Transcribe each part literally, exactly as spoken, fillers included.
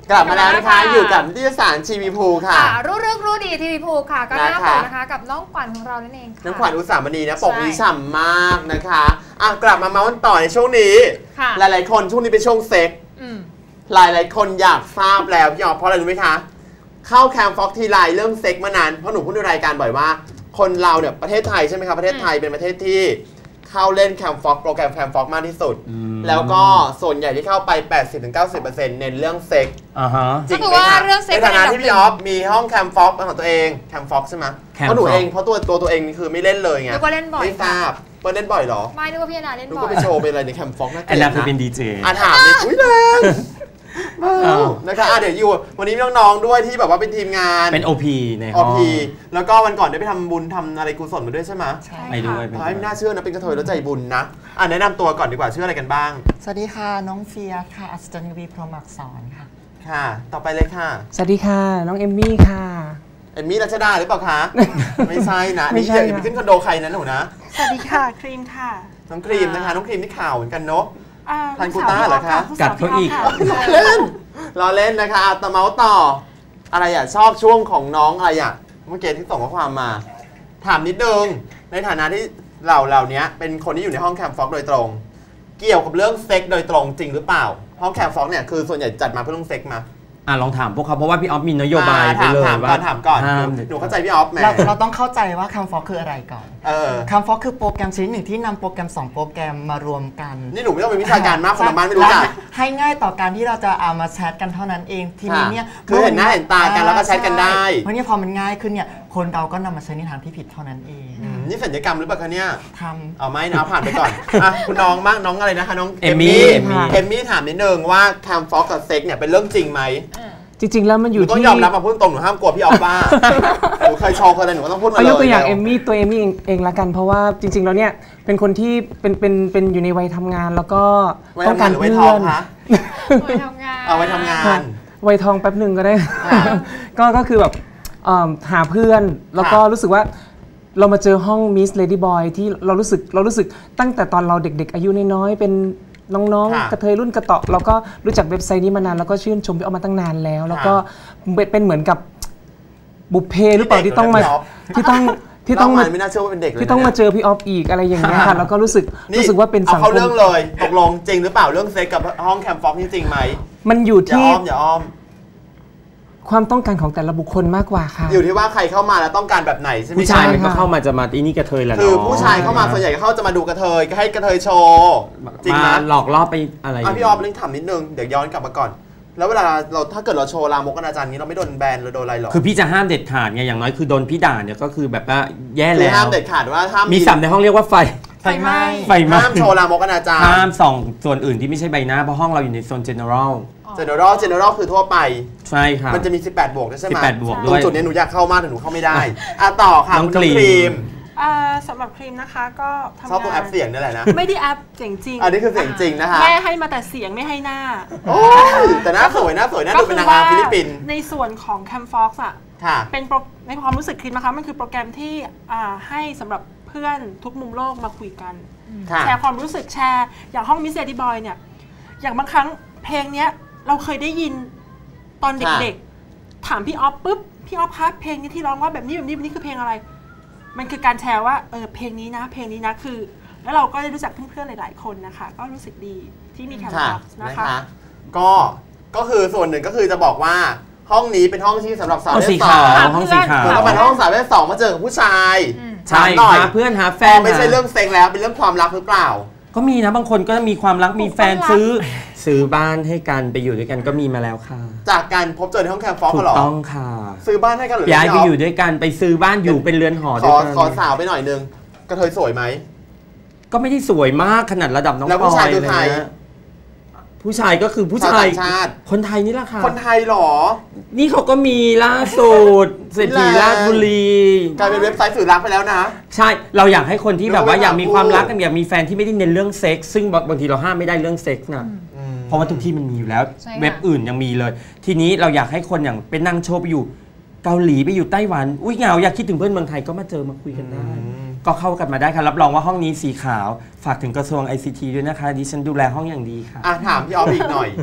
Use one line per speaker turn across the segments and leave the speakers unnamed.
กลับมาแล้วนะคะอยู่กับนิตยสารทีวีพูค่ะ
รู้เรื่องรู้ดีทีวีพูค่ะก็น่าปกนะคะกับน้องขวัญของเรานั่นเอง
น้องขวัญอุสามณีนะปกนี้ฉ่ำมากนะคะอ่ะกลับมาเมาส์ต่อในช่วงนี้หลายๆคนช่วงนี้เป็นช่วงเซ็กหลายๆคนอยากทราบแล้วพี่อ๋อเพราะอะไรรู้ไหมคะเข้าแคมป์ฟ็อกทีไรเรื่องเซ็กมานานเพราะหนูพูดในรายการบ่อยว่าคนเราเนี่ยประเทศไทยใช่ไหมครับประเทศไทยเป็นประเทศที่เข้าเล่นแคมป์ฟ็อกโปรแกรมแคมป์ฟ็อกมากที่สุดแล้วก็ส่วนใหญ่ที่เข้าไป แปดสิบถึงเก้าสิบเปอร์เซ็นต์ เน้นเรื่องเซ็ก
จริงไหมคะใน
ฐานะที่พี่ออฟมีห้องแคมป์ฟ็อกของตัวเองแคมป์ฟ็อกใช่ไหมเพราะหนูเองเพราะตัวตัวตัวเองคือไม่เล่นเลยไงไม่ทราบเปิ้ลเล่นบ่อยหรอ
ไม่นึกว่าพี่นาเล่นบ่อย
หนูก็ไปโชว์เป็นอะไรในแคมป์ฟ็อก
นะแอนนาคือเป็นดีเจ
อ่ะถามนิดอุ้ยแรงนะคะเดี๋ยวอยู่วันนี้มีน้องๆด้วยที่แบบว่าเป็นทีมงาน
เป็น โอ พี ในห้อง
โอ พี แล้วก็วันก่อนได้ไปทำบุญทำอะไรกุศลมาด้วยใช่ไหม
ใช่
ไปด้วย
ไม่น่าเชื่อนะเป็นกระเทยแล้วใจบุญนะอ่ะแนะนำตัวก่อนดีกว่าชื่ออะไรกันบ้าง
สวัสดีค่ะน้องเฟียค่ะอัศจรรย์วีพรหมอักษรค่ะ
ค่ะต่อไปเลยค่ะ
สวัสดีค่ะน้องเอมมี่ค่ะ
เอมมี่รัชดาหรือเปล่าคะไม่ใช่นะนี่อย่าไปขึ้นคอนโดใครนะหนูนะ
สวัสดีค่ะครีมค่ะ
น้องครีมนะคะน้องครีมที่ข่าวเหมือนกันเนาะทันกูต้าเหรอคะ
กัดเขาอีก
เล่นรอเล่นนะคะต่อเมาส์ต่ออะไรอ่ะชอบช่วงของน้องอะไรอ่ะเมื่อกี้ที่ส่งข้อความมาถามนิดนึงในฐานะที่เราเหล่านี้เป็นคนที่อยู่ในห้องแคมป์ฟ็อกโดยตรงเกี่ยวกับเรื่องเซ็กโดยตรงจริงหรือเปล่าห้องแคมป์ฟ็อกเนี่ยคือส่วนใหญ่จัดมาเพื่อเรื่องเซ็กมา
อ่ะลองถามพวกเขาเพราะว่าพี่ออฟมีนโยบายไปเลย
ว่าถามก่อนหนูเข้าใจพี่ออฟไหม
เราต้องเข้าใจว่าแคมป์ฟ็อกคืออะไรก่อนแคมป์ฟ็อกคือโปรแกรมชนิดหนึ่งที่นำโปรแกรมสองโปรแกรมมารวมกัน
นี่หนูไม่ต้องเป็นวิชาการมากคนละบ้านไม่รู้จัก
ให้ง่ายต่อการที่เราจะเอามาแชทกันเท่านั้นเองทีนี้เนี่ย
คือเห็นหน้าเห็นตากันแล้วก็แชทกันได้
เพราะนี่พอมันง่ายขึ้นเนี่ยคนเราก็นำมาใช้ในทางที่ผิดเท่านั้นเอง
นี่สัญญกรรมหรือเปล่าคะเนี่ย
ทำ
เอาไม่นะผ่านไปก่อนคุณน้องมากน้องอะไรนะคะน้อง
เอมมี่
เอมมี่ถามนิดนึงว่าแคมป์ฟ็อกกับเซ็กเนี่ยเป็นเรื่องจริงไหม
จริงๆแล้วมันอยู่ที่
ต้องยอมรับมาพูดตรงหนูห้ามกลัวพี่ออฟบ้าหนูเคยโชว์เคยอะไรหนูก็ต้องพูดมาเลย
ยกตัวอย่างเอมมี่ตัวเอมมี่เองละกันเพราะว่าจริงๆแล้วเนี่ยเป็นคนที่เป็นเป็นเป็นอยู่ในวัยทำงานแล้วก็
ต้องการเพื่อน
วัยทำงาน
เอาไว้ทำงาน
วัยทองแป๊บหนึ่งก็ได้ก็ก็คือแบบหาเพื่อนแล้วก็รู้สึกว่าเรามาเจอห้องมิสเลดี้บอยที่เรารู้สึกเรารู้สึกตั้งแต่ตอนเราเด็กๆอายุน้อยๆเป็นน้องๆกระเทยรุ่นกระเตาะเราก็รู้จักเว็บไซต์นี้มานานแล้วก็ชื่นชมพี่ออฟมาตั้งนานแล้วแล้วก็เป็นเหมือนกับบุพเพหรือเปล่าที่ต้องมาที่ต้องที่ต้องมา
ไม่น่าเชื่อว่าเป็นเด็กเลย
ที่ต้องมาเจอพี่ออฟอีกอะไรอย่างเงี้ยค่ะแล้วก็รู้สึกรู้สึกว่าเป็นสังคม
เอาเรื่องเลยตกลงจริงหรือเปล่าเรื่องเซ็กกับห้องแคมป์ฟ็อกจริงไหม
มันอยู่ที่
อย่าอ้อมอย่าอ้อม
ความต้องการของแต่ละบุคคลมากกว่าค่ะ
อยู่ที่ว่าใครเข้ามาแล้วต้องการแบบไหนใช่ไหม
ผู้ชายมันก็เข้ามาจะมาอีนี่กระเทยแหละ
คือผู้ชายเข้ามาส่วนใหญ่ก็เข้าจะมาดูกระเทยก็ให้กระเทยโชว์
จริงนะหลอกล่อไปอะไร
พี่ออฟลิงถามนิดนึงเดี๋ยวย้อนกลับมาก่อนแล้วเวลาเราถ้าเกิดเราโชว์ลามกอนาจารนี้เราไม่โดนแบนหรือโดนอะไรหรอ
คือพี่จะห้ามเด็ดขาดไงอย่างน้อยคือโดนพี่ด่าเนี่ยก็คือแบบว่าแย่แล้ว
ห้ามเด็ดขาดว่าห้าม
มีสัมในห้องเรียกว่าไฟ
ไฟไหม้
ไฟไหม้
ห้ามโชว์ลามกอนาจาร
ห้ามส่องส่วนอื่นที่ไม่ใช่ใบหน้าเพราะห้องเราอยู่ในโซน general
general general คือทั่วไป
ใช่ค่ะ
มันจะมีสิบแปดบวกใช่ไหม
สิบแปดบวก
ตรงจุดนี้หนูอยากเข้ามากแต่หนูเข้าไม่ได้อ่ะต่อค่ะ
น้องครีม
สำหรับครีมนะคะก็ทำงาน
ชอบตัวแอปเสียงนี่แหละนะ
ไม่ได้แอปเสียงจริง
อันนี้คือเสียงจริงนะคะ
แม่ให้มาแต่เสียงไม่ให้หน้า
แต่หน้าสวยหน้าสวยหน้าดูเป็นนางงามฟิลิปปินส์
ในส่วนของ Campfox อ่ะเป็นในความรู้สึกครีมนะคะมันคือโปรแกรมที่ให้สำหรับเพื่อนทุกมุมโลกมาคุยกันแชร์ความรู้สึกแชร์อย่างห้องมิสเซติบอยเนี่ยอย่างบางครั้งเพลงเนี้ยเราเคยได้ยินตอนเด็กๆถามพี่ออฟปุ๊บพี่ออฟครับเพลงนี้ที่ร้องว่าแบบนี้แบบนี้แบบนี้คือเพลงอะไรมันคือการแชร์ว่าเออเพลงนี้นะเพลงนี้นะคือแล้วเราก็ได้รู้จักเพื่อนๆหลายๆคนนะคะก็รู้สึกดีที่มีแคมป์ฟ็อกซ์นะคะ
ก็ก็คือส่วนหนึ่งก็คือจะบอกว่าห้องนี้เป็นห้องที่สำหรับสาวประเภทสอง
ห้องสีขาว
แล้วมันห้องสาวประเภทสองมาเจอกับผู้ชาย
ใช่หาเพื่อนหาแฟน
ไม่ใช่เรื่องเซ็งแล้วเป็นเรื่องความรักหรือเปล่า
ก็มีนะบางคนก็มีความรักมีแฟนซื้อซื้อบ้านให้กันไปอยู่ด้วยกันก็มีมาแล้วค่ะ
จากการพบเจอในห้องแคมป์ฟ็อกซ์เหรอ
ถูกต้องค่ะ
ซื้อบ้านให้กันหรือ
ย้ายไปอยู่ด้วยกันไปซื้อบ้านอยู่เป็นเรือนหอด้วยกัน
ขอสาวไปหน่อยนึงกระเทยสวยไหม
ก็ไม่ได้สวยมากขนาดระดับน้อง
ปอยเลยนะ
ผู้ชายก็คือผู้ชายคนไทยนี่แหละค่ะ
คนไทยหรอ
นี่เขาก็มีล่าสุดเศรษฐีราชบุรี
กลายเป็นเว็บไซต์สื่อรักไปแล้วนะ
ใช่เราอยากให้คนที่แบบว่าอยากมีความรักกันอยากมีแฟนที่ไม่ได้เน้นเรื่องเซ็กซ์ซึ่งบางทีเราห้ามไม่ได้เรื่องเซ็กซ์นะเพราะว่าทุกที่มันมีอยู่แล้วเว็บอื่นยังมีเลยทีนี้เราอยากให้คนอย่างเป็นนั่งโชว์ไปอยู่เกาหลีไปอยู่ไต้หวันอุ้ยเหงาอยากคิดถึงเพื่อนเมืองไทยก็มาเจอมาคุยกันได้ก็เข้ากันมาได้ค่ะรับรองว่าห้องนี้สีขาวฝากถึงกระทรวง ไอ ซี ที ด้วยนะคะดิฉันดูแลห้องอย่างดีค่ะ
อ่ะถามพี่ออฟอีกหน่อย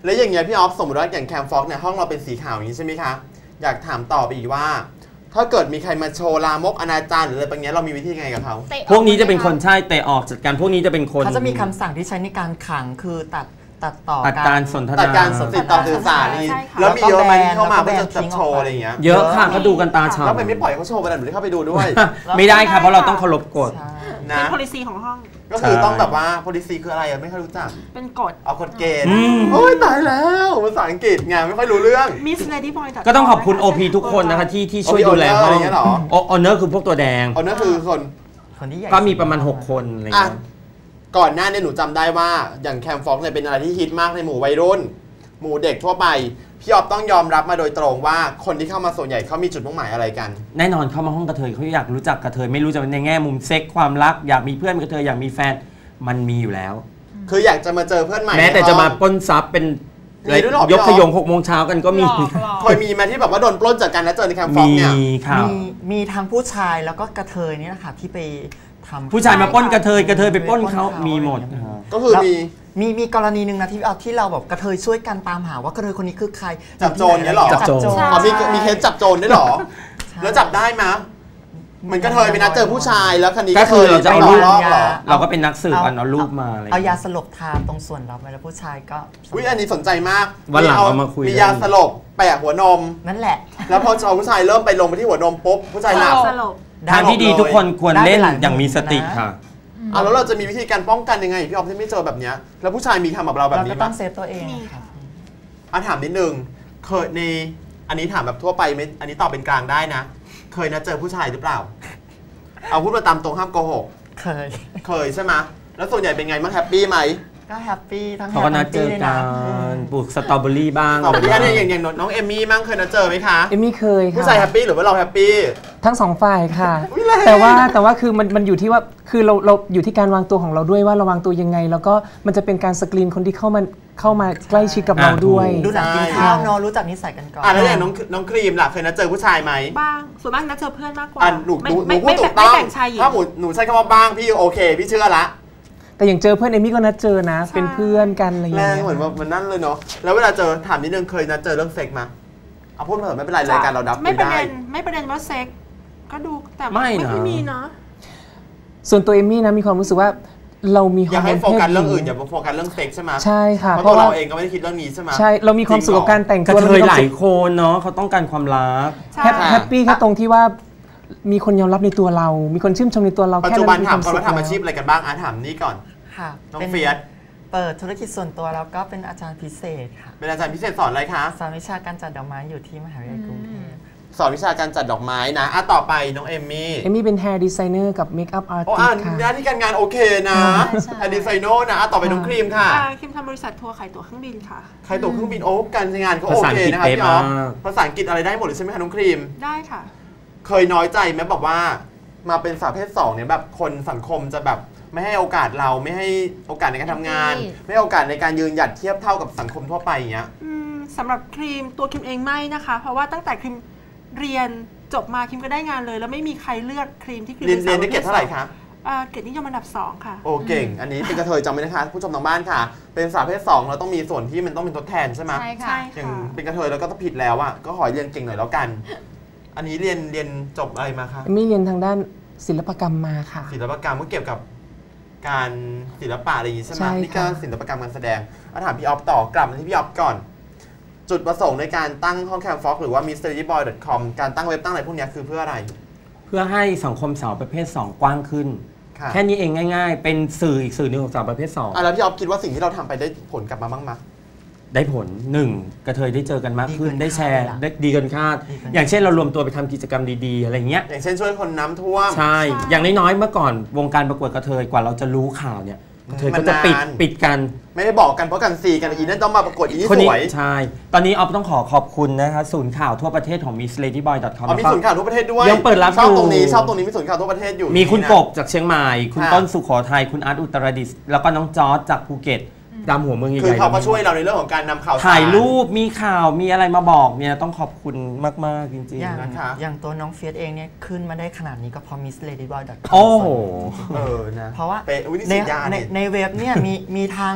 แล้วอย่างเงี้ยพี่ออฟสมมติว่าอย่างแคมฟ็อกเนี่ยห้องเราเป็นสีขาวอย่างนี้ใช่ไหมคะอยากถามต่อไปอีกว่าถ้าเกิดมีใครมาโชว์ลามกอนาจารหรืออะไรบางอย่างเรามีวิธีไงกับเขา
พวกนี้จะเป็นคนใช่เตะออกจัดการพวกนี้จะเป็นคน
เขาจะมีคำสั่งที่ใช้ในการขังคือตัดตัดต่อ
การสนทนา
ตัดการติดต่อสื่อสารนี่แล้วมีเยอะไหมที่เข้ามาเพื่อจะโชว์อะไรอย่างเงี้ย
เยอะค่ะเขาดูกันตาฉ่ำ
แล้วไม่ปล่อยเขาโชว์ไปหรือเข้าไปดูด้วย
ไม่ได้ค่ะเพราะเราต้องเคารพกฎ
นะเป็น policy ของห้อง
ก็คือต้องแบบว่า policy คืออะไรอ่ะไม่ค่อยรู้จัก
เป็นกฎ
เอากฎเกณฑ์โอ้ยตายแล้วภาษาอังกฤษไงไม่ค่อยรู้เรื่อง
Miss Lady Boy
ก็ต้องขอบคุณ โอ พี ทุกคนนะคะที่ที่ช่วยดูแลห้องออเนอร์คือพวกตัวแดง
ออเนอร์คือคน
ก็มีประมาณหกคนอะไรอย่างเงี้ย
ก่อนหน้านี้หนูจำได้ว่าอย่างแคมฟ็อกเนี่ยเป็นอะไรที่ฮิตมากในหมู่วัยรุ่นหมู่เด็กทั่วไปพี่ออฟต้องยอมรับมาโดยตรงว่าคนที่เข้ามาส่วนใหญ่เขามีจุดมุ่งหมายอะไรกัน
แน่นอนเข้ามาห้องกระเทยเขาอยากรู้จักกระเทยไม่รู้จะในแง่มุมเซ็กความรักอยากมีเพื่อนกระเทยอยากมีแฟนมันมีอยู่แล้ว
คืออยากจะมาเจอเพื่อนใหม่
แม้แต่จะมาปล้นทรัพย์เป็นยกขยงหกโมงเช้ากันก็มี
เคยมีมาที่แบบว่าโดนปล้นจากกันแล้วเจอในแคมฟ็อกเนี่ย
มีครับ
มีทั้งผู้ชายแล้วก็กระเทยนี่แหละค่ะที่ไป
ผู้ชายมาปล้นกระเทยกระเทยไปปล้นเขามีหมด
ก็คือมี
มีมีกรณีหนึ่งนะที่เอาที่เราแบบกระเทยช่วยกันตามหาว่ากระเทยคนนี้คือใคร
จับโจรเนี่ยหรอ
จับโจร
มีมีเคสจับโจรได้หรอแล้วจับได้ไหมเหมือนกระเทยไปนัดเจอผู้ชายแล้วคันนี้
ก็คือเราจะเอารูปเราก็เป็นนักสืบเอารูปมา
เอายาสลบทาตรงส่วนเราไปแล้วผู้ชายก็
อุ้ยอันนี้สนใจมาก
วันหลังเอามาคุย
มียาสลบแปะหัวนม
นั่นแหละ
แล้วพอเอาผู้ชายเริ่มไปลงไปที่หัวนมปุ๊บผู้ชายหลับ
ทางที่ดีทุกคนควรเล่นอย่างมีสติค่ะ
อ่ะแล้วเราจะมีวิธีการป้องกันยังไงพี่ออฟที่ไม่เจอแบบนี้แล้วผู้ชายมีทำกับเราแบบนี้
มั้ยเราก็ต้องเซฟตัวเองค่ะ
อ่ะถามนิดนึงเคยในอันนี้ถามแบบทั่วไปไม่อันนี้ตอบเป็นกลางได้นะเคยนะเจอผู้ชายหรือเปล่าเอาพูดมาตามตรงห้ามโกหก
เคย
เคยใช่ไหมแล้วส่วนใหญ่เป็นไงบ้างแฮปปี้ไหม
ก็แฮปปี้ทั้ง
เขาก็นัดเจอกันปลูกสตรอเบอรี่บ้าง
สตรอเบอรี่เนี่ยอย่างอย่างน้องเอมมี่มั่งเคยนัดเจอไหมคะ
เอมมี่เคยค่ะ
ผู้ชายแฮปปี้หรือว่าเราแฮปปี้
ทั้งสองฝ่ายค่ะแต่ว่าแต่ว่าคือมันมันอยู่ที่ว่าคือเราเราอยู่ที่การวางตัวของเราด้วยว่าเราวางตัวยังไงแล้วก็มันจะเป็นการสกรีนคนที่เข้ามาเข้ามาใกล้ชิดกับเราด้วย
ดูหนังกินข้าวเนาะรู้จักนิสัยกันก่อน
อ่ะแล้วอย่างน้องน้องครีมล่ะเคยนัดเจอผู้ชายไหม
บ้างส่วนมากนัดเจอเพื่อนมากกว่า
หนูหนูหนูพูดถูกต้องถ้าหนูหนูใช้คำว่าบ้างพี่โอเคพี่เชื่อละ
แต่อย่างเจอเพื่อนเอมี่ก็นัดเจอนะเป็นเพื่อนกันอะไรอย่างเงี้
ยแรงเหมือนว่ามันนั่นเลยเนาะแล้วเวลาเจอถามนิดนึงเคยนัดเจอเรื่องเซ็กมาเอาพูดมาเถอะไม่เป็นไรรายการเราดับ
ไม่ประเด็นไม่ประเด็นว่าเซ็กก็ดูแต่ไม่ไม่มีนะ
ส่วนตัวเอมี่นะมีความรู้สึกว่าเรามี
อยากให้โฟกัสเรื่องอื่นอย่าโฟกัสเรื่องเซ็กใช่ไหม
ใช่ค่ะ
เพราะเราเองก็ไม่ได้คิดเรื่องนี้ใช่ไหม
ใช่เรามีความสุขกับการแต่ง
ตัวเคยหลายคนเนาะเขาต้องการความรัก
แฮปปี้แค่ตรงที่ว่ามีคนยอมรับในตัวเรามีคนชื่นชมในตัวเรา
ปัจจุบันถามเขาว่าทำอาชีพอะไรกันบ้างอ่ะถามนี่ก่อน
ค่ะ
น้องเฟียส
เปิดธุรกิจส่วนตัวแล้วก็เป็นอาจารย์พิเศษค่ะ
เป็นอาจารย์พิเศษสอนอะไรคะ
สอนวิชาการจัดดอกไม้อยู่ที่มหาวิทยาลัยกรุงเทพ
สอนวิชาการจัดดอกไม้นะอ่ะต่อไปน้องเอมมี่
เอมมี่เป็น hair designer กับ makeup artist
ค่ะโอ้หน้าที่การงานโอเคนะ hair designer นะต่อไปน้องครีมค่ะ
ครีมทำบริษัททัวร์ขายตั๋วเครื่องบินค่ะ
ขายตั๋วเครื่องบินโอ้การงานก็โอเคนะคะพี่อ๊อฟภาษาอังกฤษอะไรได้หมดเลยใช่ไหมคะน้องครีม
ได้ค่ะ
เคยน้อยใจไหมบอกว่ามาเป็นสาวเพศสองเนี่ยแบบคนสังคมจะแบบไม่ให้โอกาสเราไม่ให้โอกาสในการทำงานไม่ให้โอกาสในการยืนหยัดเทียบเท่ากับสังคมทั่วไปอย่างเงี้ย
สำหรับครีมตัวครีมเองไม่นะคะเพราะว่าตั้งแต่ครีมเรียนจบมาครีมก็ได้งานเลยแล้วไม่มีใครเลือกครีมที่ครีม
เรียนเรียนได้เกรดเท่าไหร่คะ
เกรดนิยมอันดับสองค่ะ
โอ้เก่งอันนี้เป็นกระเทยจำไว้นะคะผู้ชมทางบ้านค่ะเป็นสาวเพศสองเราต้องมีส่วนที่มันต้องเป็นทดแทนใช่ไหม
ใช่ค่ะ
อย่างเป็นกระเทยแล้วก็ต้องผิดแล้วอ่ะก็ขอเรียนเก่งหน่อยแล้วกันอันนี้เรียนเรียนจบอะไรมาคะ
ไม่เรียนทางด้านศิลปกรรมมาค่ะ
ศิลปกรรมก็เกี่ยวกับการศิลปะอะไรอย่างนี้ใช่ไหมนี่ก็ศิลปกรรมการแสดงอาถามพี่ออฟต่อกลับมาที่พี่ออฟก่อนจุดประสงค์ในการตั้งห้องแคมฟ็อกหรือว่า มิส เลดี้บอย ดอท คอม การตั้งเว็บตั้งอะไรพวกนี้คือเพื่ออะไร
เพื่อให้สังคมสาวประเภทสองกว้างขึ้นแค่นี้เองง่ายๆเป็นสื่ออีกสื่อหนึ่งของสาวประเภทสอง
อ่ะแล้วพี่ออฟคิดว่าสิ่งที่เราทำไปได้ผลกลับมาบ้างไหม
ได้ผลหนึ่งกระเทยได้เจอกันมากขึ้นได้แชร์ได้ดีเกินคาดอย่างเช่นเรารวมตัวไปทำกิจกรรมดีๆอะไรเงี้ย
อย่างเช่นช่วยคนน้ำท่วม
ใช่อย่างน้อยๆเมื่อก่อนวงการประกวดกระเทยกว่าเราจะรู้ข่าวเนี่ยกระเทยก็จะปิดปิดกัน
ไม่ได้บอกกันเพราะกันซีกันอีนั่นต้องมาประกวดอีนี่สวย
ใช่ตอนนี้ออฟต้องขอขอบคุณนะคะศูนย์ข่าวทั่วประเทศของ มิส เลดี้บอย ดอท คอม
มีศูนย์ข่าวทั่วประเทศด้วย
ยังเปิดรับ
ชอบตรงนี้ชอบตรงนี้มีศูนย์ข่าวทั่วประเทศอยู่
มีคุณกบจากเชียงใหม่คุณต้นสุโขทัยคุณอาร์ตอุตรดิตถ์แล้วก็น้องจอร์จจากภูเก็ตดำหัวเมืองใหญ่ๆ
คือเขาก็ช่วยเราในเรื่องของการนำข่าว
ถ่ายรูปมีข่าวมีอะไรมาบอกเนี่ยต้องขอบคุณมากๆจริง
ๆนะคะอย่างตัวน้องเฟียสเองเนี่ยขึ้นมาได้ขนาดนี้ก็เพราะ มิส เลดี้บอย ดอท คอม
โอ้โห
เออนะ
เพราะว่าในในเว็บเนี่ยมีมีทั้ง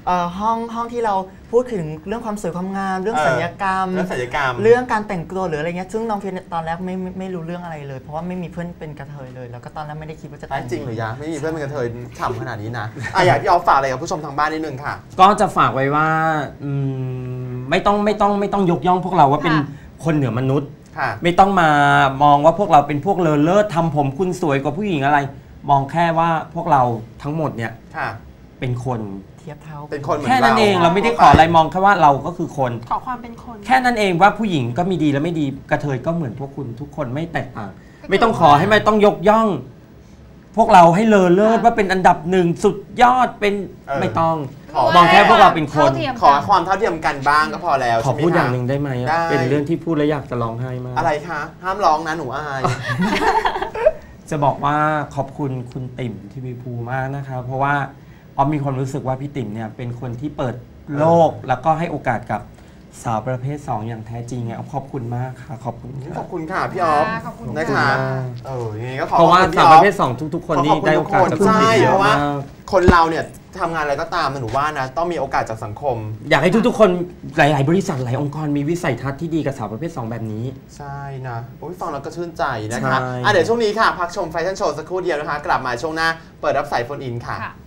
ห้องห้องที่เราพูดถึงเรื่องความสวยความงามเรื่องศัลยกรรม
เรื่องศัลยกรรม
เรื่องการแต่งตัวหรืออะไรเงี้ยซึ่งน้องเฟียตอนแรกไม่ไม่รู้เรื่องอะไรเลยเพราะว่าไม่มีเพื่อนเป็นกระเทยเลยแล้วก็ตอนแรกไม่ได้คิดว่าจะแต่ง
จริงหรือยะไม่มีเพื่อนเป็นกระเทยฉ่ำขนาดนี้นะอ่ะอยากพี่ออฟฝากอะไรกับผู้ชมทางบ้านนิดนึงค่ะ
ก็จะฝากไว้ว่าไม่ต้องไม่ต้องไม่ต้องยกย่องพวกเราว่าเป็นคนเหนือมนุษย์ไม่ต้องมามองว่าพวกเราเป็นพวกเลอเลิศทำผมคุณสวยกว่าผู้หญิงอะไรมองแค่ว่าพวกเราทั้งหมดเนี่ยเป็นคน
เทียบเท่า
เป็นคนเหมือน
แค่นั้นเองเราไม่ได้ขออะไรมองแค่ว่าเราก็คือคน
ขอความเป็นคน
แค่นั้นเองว่าผู้หญิงก็มีดีและไม่ดีกระเทยก็เหมือนพวกคุณทุกคนไม่แตกต่างไม่ต้องขอให้ไม่ต้องยกย่องพวกเราให้เลอเลิศว่าเป็นอันดับหนึ่งสุดยอดเป็นไม่ต้องมองแค่พวกเราเป็นคน
ขอความเท่าเทียมกันบ้างก็พอแล้ว
ขอพูดอย่างหนึ่งได้ไหมเป็นเรื่องที่พูดแล้วอยากจะร้องไห้มาก
อะไรคะห้ามร้องนะหนูอาย
จะบอกว่าขอบคุณคุณติ่มทีวีภูมากนะคะเพราะว่าออมมีความรู้สึกว่าพี่ติ่มเนี่ยเป็นคนที่เปิดโลกแล้วก็ให้โอกาสกับสาวประเภทสองอย่างแท้จริงไงขอบคุณมากค่ะขอบคุณ
ขอบคุณค่ะพี่ออฟนะคะเออยังไงก็ขอ
เพราะว่าสาวประเภทสองทุกๆคนนี่ได้โอกาสจาก
คุณติ่มเยอะมากคนเราเนี่ยทำงานอะไรก็ตามหนูว่านะต้องมีโอกาสจากสังคม
อยากให้ทุกๆคนหลายๆบริษัทหลายองค์กรมีวิสัยทัศน์ที่ดีกับสาวประเภทสองแบบนี้
ใช่นะโอ้ยฟังแล้วก็ชื่นใจนะคะอ่ะเดี๋ยวช่วงนี้ค่ะพักชมแฟชั่นโชว์สักครู่เดียวนะคะกลับมาช่วงหน้าเปิดรับสายโฟนอินค่ะ